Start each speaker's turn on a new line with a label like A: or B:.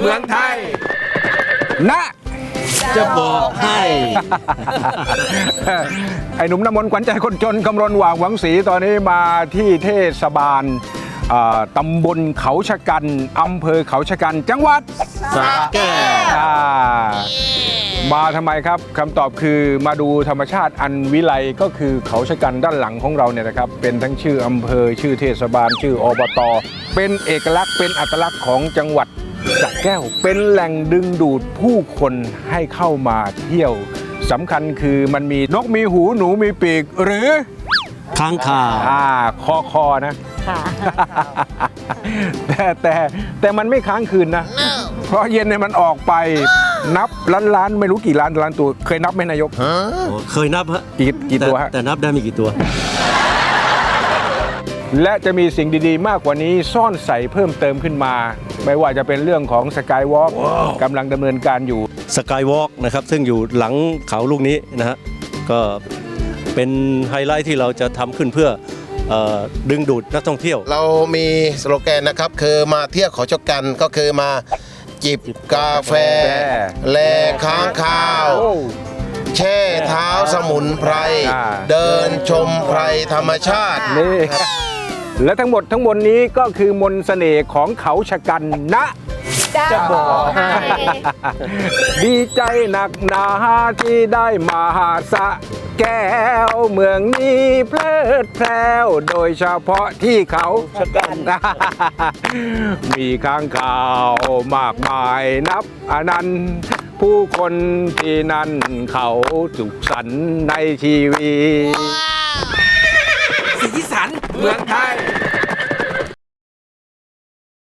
A: มืองไทยนะ
B: จะบอกให้
A: ไอ้หนุ่มน้ำมนต์ขวัญใจคนจนกำรณหว่างหวังศรีตอนนี้มาที่เทศบาลตำบลเขาชะกันอำเภอเขาชะกันจังหวัด
B: สระแก้ว
A: มาทำไมครับคำตอบคือมาดูธรรมชาติอันวิไลก็คือเขาชะกันด้านหลังของเราเนี่ยนะครับเป็นทั้งชื่ออำเภอชื่อเทศบาลชื่ออบต.เป็นเอกลักษณ์เป็นอัตลักษณ์ของจังหวัดสระแก้วเป็นแหล่งดึงดูดผู้คนให้เข้ามาเที่ยวสำคัญคือมันมีนกมีหูหนูมีปีกหรือ
B: ค้างคาว
A: คอนะแต่มันไม่ค้างคืนนะ เพราะเย็นเนี่ยมันออกไปนับล้านไม่รู้กี่ล้านตัวเคยนับไหมนายก
B: โอ้เคยนับฮะ
A: กี่ตัวฮะ
B: แต่นับได้ไม่กี่ตัว
A: และจะมีสิ่งดีๆ มากกว่านี้ซ่อนใส่เพิ่มเติมขึ้นมา ไม่ว่าจะเป็นเรื่องของสกายวอล์กกำลังดำเนินการอยู่
B: สกายวอล์กนะครับซึ่งอยู่หลังเขาลูกนี้นะฮะก็เป็นไฮไลท์ที่เราจะทำขึ้นเพื่อดึงดูดนักท่องเที่ยว
C: เรามีสโลแกนนะครับคือมาเที่ยวเขาชะกันก็คือมาจิบกาแฟ แลค้างคาว แช่เท้าสมุนไพร เดินชมไพรธรรมชาติ
A: นี่และทั้งหมดทั้งมวลนี้ก็คือมนต์เสน่ห์ของเขาชะกันนะ
D: จะบอกให้
A: ดีใจหนักหนาที่ได้มาสระแก้วเมืองนี้เพลิดเพลินโดยเฉพาะที่เขาชะกัน มีข้างข่าวมากมายนับอนันต์ผู้คนที่นั่นเขาสุขสันต์ในชีวิตสีสันเมืองไทย